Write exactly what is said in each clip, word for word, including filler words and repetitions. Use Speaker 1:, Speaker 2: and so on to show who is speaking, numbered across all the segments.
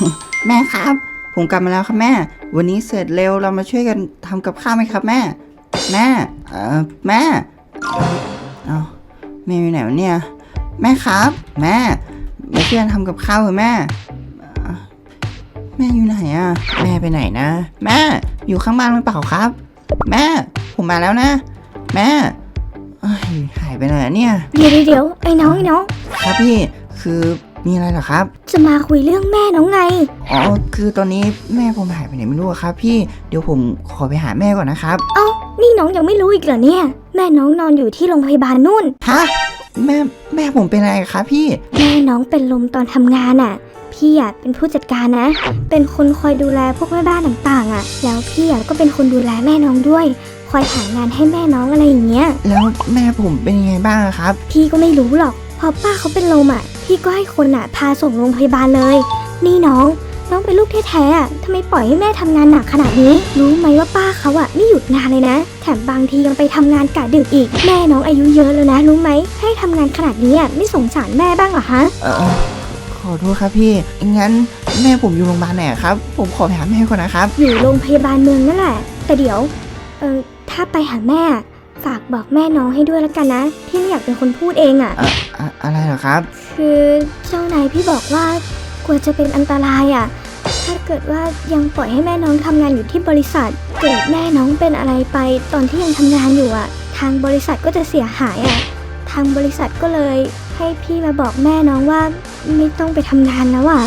Speaker 1: แม่ครับผมกลับมาแล้วครับแม่วันนี้เสร็จเร็วเรามาช่วยกันทำกับข้าวไหมครับแม่แม่เออแม่เอาแม่อยู่ไหนวะเนี่ยแม่ครับแม่มาช่วยกันทำกับข้าวเถอะแม่แม่อยู่ไหนอะแม่ไปไหนนะแม่อยู่ข้างบ้านหรือเปล่าครับแม่ผมมาแล้วนะแม่หายไปไหนเนี่ย
Speaker 2: เดี๋ยวเดี๋ยวไอ้น้องไอ้น้อง
Speaker 1: ครับพี่คือมีอะไรเหรอครับ
Speaker 2: จะมาคุยเรื่องแม่น้องไง
Speaker 1: อ๋อคือตอนนี้แม่ผมหายไปไหนไม่รู้ครับพี่เดี๋ยวผมขอไปหาแม่ก่อนนะครับ
Speaker 2: เอ้านี่น้องยังไม่รู้อีกเหรอเนี่ยแม่น้องนอนอยู่ที่โรงพยาบาลนู่น
Speaker 1: ฮะแม่แม่ผมเป็นอะไรครับพี่
Speaker 2: แม่น้องเป็นลมตอนทำงานอ่ะพี่อ่ะเป็นผู้จัดการนะเป็นคนคอยดูแลพวกแม่บ้านต่างๆอ่ะแล้วพี่อ่ะก็เป็นคนดูแลแม่น้องด้วยคอยหางานให้แม่น้องอะไรอย่างเงี้ย
Speaker 1: แล้วแม่ผมเป็นยังไงบ้างครับ
Speaker 2: พี่ก็ไม่รู้หรอกพอป้าเขาเป็นลมอ่ะพี่ก็ให้คนอ่ะพาส่งโรงพยาบาลเลยนี่น้องน้องเป็นลูกแท้ๆอ่ะทำไมปล่อยให้แม่ทำงานหนักขนาดนี้รู้ไหมว่าป้าเขาอ่ะไม่หยุดงานเลยนะแถมบางทียังไปทำงานกะดึกอีกแม่น้องอายุเยอะแล้วนะรู้ไหมให้ทำงานขนาดนี้อ่ะไม่สงสารแม่บ้างเหรอฮะ
Speaker 1: เออขอโทษครับพี่งั้นแม่ผมอยู่โรงพยาบาลไหนครับผมขอไปหาแม่ก่อนนะครับ
Speaker 2: อยู่โรงพยาบาลเมืองนั่นแหละแต่เดี๋ยวเออถ้าไปหาแม่ฝากบอกแม่น้องให้ด้วยแล้วกันนะพี่ไม่อยากเป็นคนพูดเองอ่ะ
Speaker 1: อะอะไรเหรอครับ
Speaker 2: คือเจ้านายพี่บอกว่ากลัวจะเป็นอันตรายอ่ะถ้าเกิดว่ายังปล่อยให้แม่น้องทำงานอยู่ที่บริษัทเกิดแม่น้องเป็นอะไรไปตอนที่ยังทำงานอยู่อ่ะทางบริษัทก็จะเสียหายอ่ะทางบริษัทก็เลยให้พี่มาบอกแม่น้องว่าไม่ต้องไปทำงานแล้วอ่ะ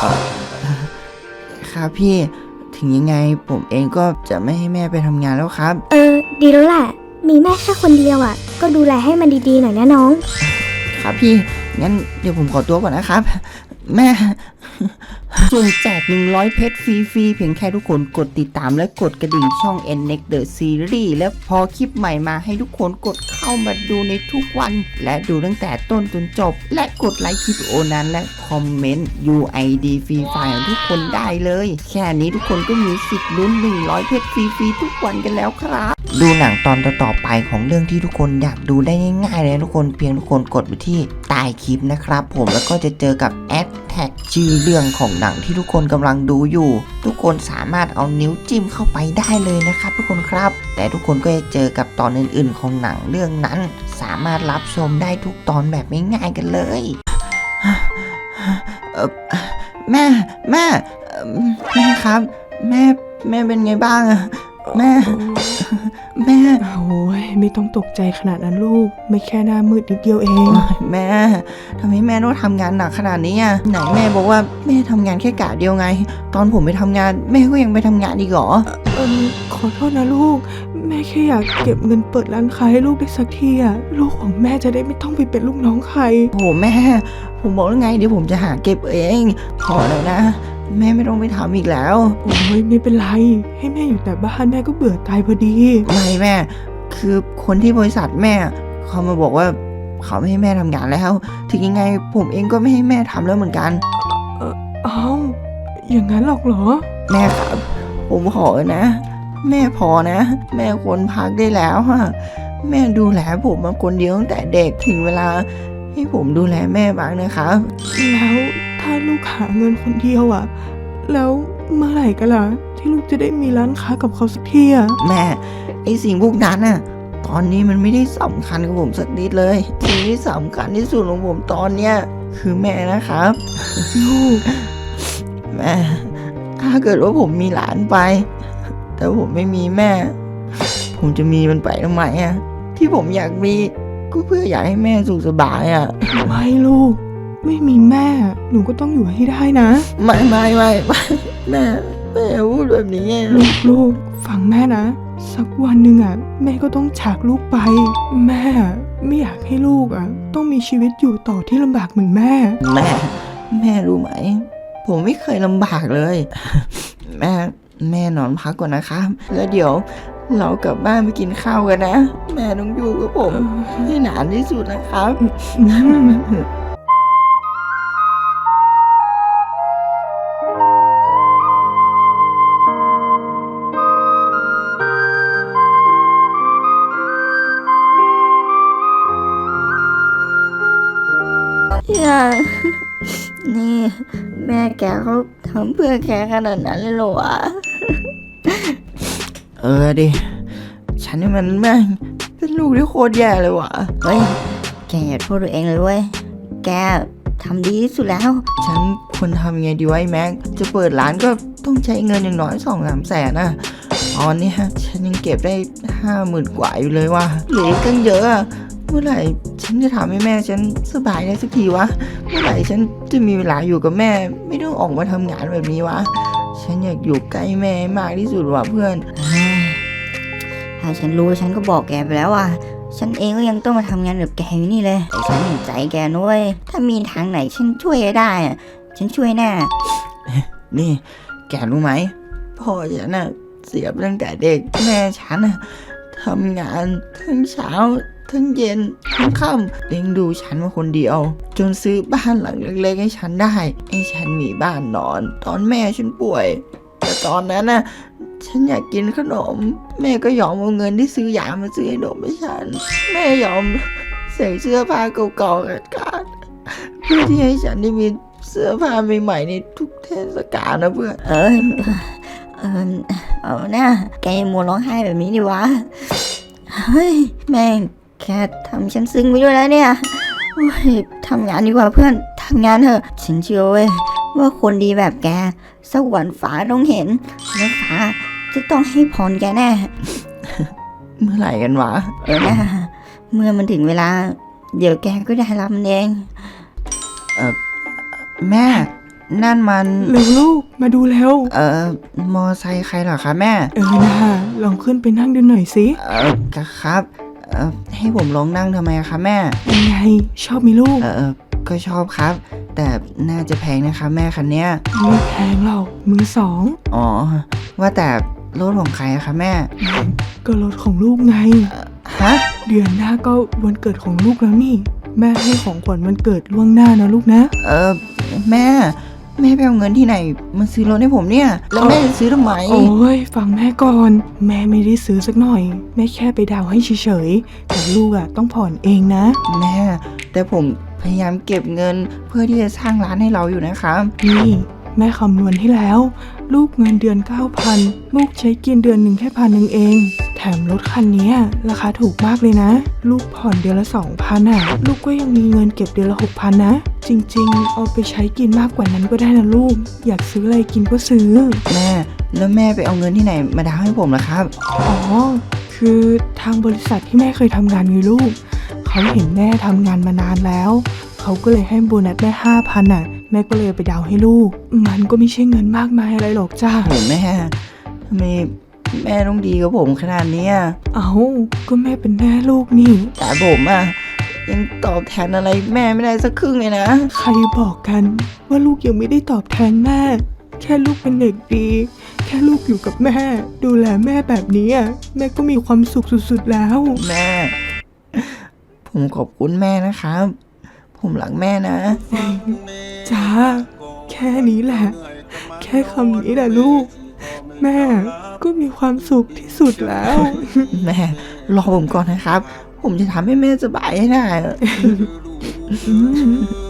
Speaker 1: ครับพี่ถึงยังไงผมเองก็จะไม่ให้แม่ไปทำงานแล้วครับ
Speaker 2: เออดีแล้วแหละมีแม่แค่คนเดียวอ่ะก็ดูแลให้มันดีๆหน่อยนะน้อง
Speaker 1: ครับพี่งั้นเดี๋ยวผมขอตัวก่อนนะครับแม่ส่วนแจกหนึ่งร้อยเพชรฟรีๆเพียงแค่ทุกคนกดติดตามและกดกระดิ่งช่อง เอ็น เน็กซ์ The Series และพอคลิปใหม่มาให้ทุกคนกดเข้ามาดูในทุกวันและดูตั้งแต่ต้นจนจบและกดไลค์คลิปโอนั้นและคอมเมนต์ ยู ไอ ดี ฟรีไฟล์ของทุกคนได้เลยแค่นี้ทุกคนก็มีสิทธิ์ลุ้นหนึ่งร้อยเพชรฟรีๆทุกวันกันแล้วครับดูหนังตอนต่อๆไปของเรื่องที่ทุกคนอยากดูได้ง่ายๆเลยทุกคนเพียงทุกคนกดไปที่ใต้คลิปนะครับผมแล้วก็จะเจอกับแอดแท็กชื่อเรื่องของหนังที่ทุกคนกำลังดูอยู่ทุกคนสามารถเอานิ้วจิ้มเข้าไปได้เลยนะครับทุกคนครับแต่ทุกคนก็จะเจอกับตอนอื่นๆของหนังเรื่องนั้นสามารถรับชมได้ทุกตอนแบบง่ายๆกันเลยแม่แม่แม่ครับแม่แม่เป็นไงบ้างอะแม่แม่
Speaker 3: โอ้ยไม่ต้องตกใจขนาดนั้นลูกไม่แค่หน้ามืดนิดเดียวเอง
Speaker 1: แม่ทำไมแม่ต้องทำงานหนักขนาดนี้อ่ะไหนแม่บอกว่าแม่ทำงานแค่กะเดียวไงตอนผมไปทำงานแม่ก็ยังไปทำงานอีกเหรอ
Speaker 3: เออขอโทษนะลูกแม่แค่อยากเก็บเงินเปิดร้านค้าให้ลูกได้สักทีอ่ะลูกของแม่จะได้ไม่ต้องไปเป็นลูกน้องใคร
Speaker 1: โอ้แม่ผมบอกแล้วไงเดี๋ยวผมจะหาเก็บเองพอแล้วนะแม่ไม่ต้องไปทำอีกแล้ว
Speaker 3: โอ้ยไม่เป็นไรให้แม่อยู่แต่บ้านแม่ก็เบื่อตายพอดี
Speaker 1: ไม่แม่คือคนที่บริษัทแม่เขามาบอกว่าเขาไม่ให้แม่ทำงานแล้วถึงยังไงผมเองก็ไม่ให้แม่ทำแล้วเหมือนกัน
Speaker 3: เออเอ้าอย่างนั้นหรอกเหรอ
Speaker 1: แม่ครับผมขอนะแม่พอนะแม่ควรพักได้แล้วฮะแม่ดูแลผมมาคนเดียวตั้งแต่เด็กถึงเวลาให้ผมดูแลแม่บ้างนะครับ
Speaker 3: แล้วถ้าลูกหาเงินคนเดียวอ่ะแล้วเมื่อไหร่กันล่ะที่ลูกจะได้มีร้านค้ากับเขาสักทีอ่ะ
Speaker 1: แม่ไอสิ่งพวกนั้นน่ะตอนนี้มันไม่ได้สำคัญกับผมสักนิดเลยสิ่งที่สำคัญที่สุดของผมตอนเนี้ยคือแม่นะครับ
Speaker 3: ลูก
Speaker 1: แม่ถ้าเกิดว่าผมมีหลานไปแต่ผมไม่มีแม่ผมจะมีมันไปทำไมอ่ะที่ผมอยากมีก็เพื่ออยากให้แม่สุขสบายอ่ะ
Speaker 3: ไม่ลูกไม่มีแม่หนูก็ต้องอยู่ให้ได้นะ
Speaker 1: ไม่ไม่ไม่แม่แม่พูดแบบนี้
Speaker 3: ลูกลูกฟังแม่นะสักวันหนึ่งอ่ะแม่ก็ต้องจากลูกไปแม่ไม่อยากให้ลูกอ่ะต้องมีชีวิตอยู่ต่อที่ลำบากเหมือนแม่
Speaker 1: แม่แม่รู้ไหมผมไม่เคยลำบากเลยแม่แม่นอนพักก่อนนะครับแล้วเดี๋ยวเรากลับบ้านไปกินข้าวกันนะแม่ต้องอยู่กับผมให้นานที่สุดนะครับ
Speaker 2: อย่านี่แม่แกเขาทำเพื่อแกขนาดนั้นเลยเหรอวะ
Speaker 1: เออดิฉันนี่มันแม่งเป็นลูกที่โคตรแย่เลยว่ะ
Speaker 2: เฮ้ยแกอย่าโทษตัวเองเลยเว้ยแกทำดีที่สุดแล้ว
Speaker 1: ฉันควรทำยังไงดีวะไอ้แม็กจะเปิดร้านก็ต้องใช้เงินอย่างน้อยสองสามแสนนะตอนนี้ฮะฉันยังเก็บได้ห้าหมื่นกว่าอยู่เลยว่ะเหลืออีกตั้งเยอะอะเมื่อไหร่ฉันจะทำให้แม่ฉันสบายได้สักทีวะเมื่อไหร่ฉันจะมีเวลาอยู่กับแม่ไม่ต้องออกมาทำงานแบบนี้วะฉันอยากอยู่ใกล้แม่มากที่สุดว่ะเพื่อน
Speaker 2: เฮ้ยถ้าฉันรู้ฉันก็บอกแกไปแล้วว่าฉันเองก็ยังต้องมาทำงานแบบแกอยู่นี่เลยแต่ฉันเห็นใจแกนุ้ยถ้ามีทางไหนฉันช่วยได้อะฉันช่วยแน่
Speaker 1: นี่แกรู้ไหมพ่อฉันน่ะเสียไปตั้งแต่เด็กแม่ฉันน่ะทำงานทั้งเช้าทั้งเย็นทั้งค่ำเลี้ยงดูฉันมาคนเดียว จนซื้อบ้านหลังเล็กๆให้ฉันได้ให้ฉันมีบ้านนอน ตอนแม่ฉันป่วย แต่ตอนนั้นน่ะฉันอยากกินขนม แม่ก็ยอมเอาเงินที่ซื้อยามาซื้อขนมให้ฉัน แม่ยอมใส่เสื้อผ้าเก่าๆขาดๆเพื่อที่ให้ฉันได้มีเสื้อผ้าใหม่ๆในทุกเทศกาลนะเพื่อน
Speaker 2: เออเออเอาหน้าแกยังมัวร้องไห้แบบนี้ดิวะเฮ้ยแม่งแค่ทำฉันซึ้งไปด้วยแล้วเนี่ยโอ้ยทำงานดีกว่าเพื่อนทำงานเถอะฉันเชื่อเว้ยว่าคนดีแบบแกสักวันฟ้าต้องเห็นแล้วฟ้าจะต้องให้พรแกแน่
Speaker 1: เมื่อไหร่กันวะ
Speaker 2: เออนะเมื่อมันถึงเวลา เดี๋ยวแกก็ได้รับมันเอง
Speaker 1: แม่นั่นมัน
Speaker 3: เร็วลูกมาดูแล้ว
Speaker 1: เอ่อมอไซค์ใครเหรอคะแม่
Speaker 3: เออนะลองขึ้นไปนั่งดูหน่อยสิ
Speaker 1: เอ่อครับเอ่อให้ผมลองนั่งทำไมอะคะแม่
Speaker 3: เป็นไงชอบไหมลูก
Speaker 1: เออก็ชอบครับ แต่น่าจะแพงนะคะแม่คันเนี้ย
Speaker 3: ไม่แพงหรอกมือสอง
Speaker 1: อ๋อว่าแต่รถของใครอะคะแม่
Speaker 3: ก็รถของลูกไง
Speaker 1: ฮะ
Speaker 3: เดือนหน้าก็วันเกิดของลูกแล้วนี่ แม่ให้ของขวัญวันเกิดล่วงหน้านะลูกนะ
Speaker 1: เออแม่แม่ไปเอาเงินที่ไหนมาซื้อรถให้ผมเนี่ย แล้วแม่จะซื้อทำไม
Speaker 3: โอ้ยฟังแม่ก่อน แม่ไม่ได้ซื้อสักหน่อย แม่แค่ไปดาวน์ให้เฉยๆแต่ลูกอ่ะต้องผ่อนเองนะ
Speaker 1: แม่ แต่ผมพยายามเก็บเงินเพื่อที่จะสร้างร้านให้เราอยู่นะครับ
Speaker 3: นี่แม่คำนวณให้แล้ว ลูกเงินเดือน เก้าพัน ลูกใช้กินเดือนหนึ่งแค่พันหนึ่งเอง แถมรถคันนี้ราคาถูกมากเลยนะ ลูกผ่อนเดือนละ สองพัน อ่ะ ลูกก็ยังมีเงินเก็บเดือนละ หกพัน นะ จริงๆ เอาไปใช้กินมากกว่านั้นก็ได้นะลูก อยากซื้ออะไรกินก็ซื้อ
Speaker 1: แม่แล้วแม่ไปเอาเงินที่ไหนมาดาวน์ให้ผมล่ะครับ
Speaker 3: อ๋อ คือทางบริษัทที่แม่เคยทำงานไงลูก เขาเห็นแม่ทำงานมานานแล้ว เขาก็เลยให้โบนัสแม่ห้าพันอ่ะ แม่ก็เลยไปดาวน์ให้ลูก มันก็ไม่ใช่เงินมากมายอะไรหรอกจ้า
Speaker 1: โหแม่ทำไมแม่ต้องดีกับผมขนาดเนี้ย
Speaker 3: เอาก็แม่เป็นแม่ลูกนี่
Speaker 1: แต่ผมอะยังตอบแทนอะไรแม่ไม่ได้สักครึ่งเลยนะ
Speaker 3: ใครบอกกันว่าลูกยังไม่ได้ตอบแทนแม่ แค่ลูกเป็นเด็กดี แค่ลูกอยู่กับแม่ ดูแลแม่แบบนี้อะแม่ก็มีความสุขสุดๆแล้ว
Speaker 1: แม่ ผมขอบคุณแม่นะครับ ผมรักแม่นะ
Speaker 3: จ้า แค่นี้แหละ แค่คำนี้แหละลูก แม่ก็มีความสุขที่สุดแล้ว
Speaker 1: แม่รอผมก่อนนะครับ ผมจะทำให้แม่สบายให้ได้
Speaker 3: อืม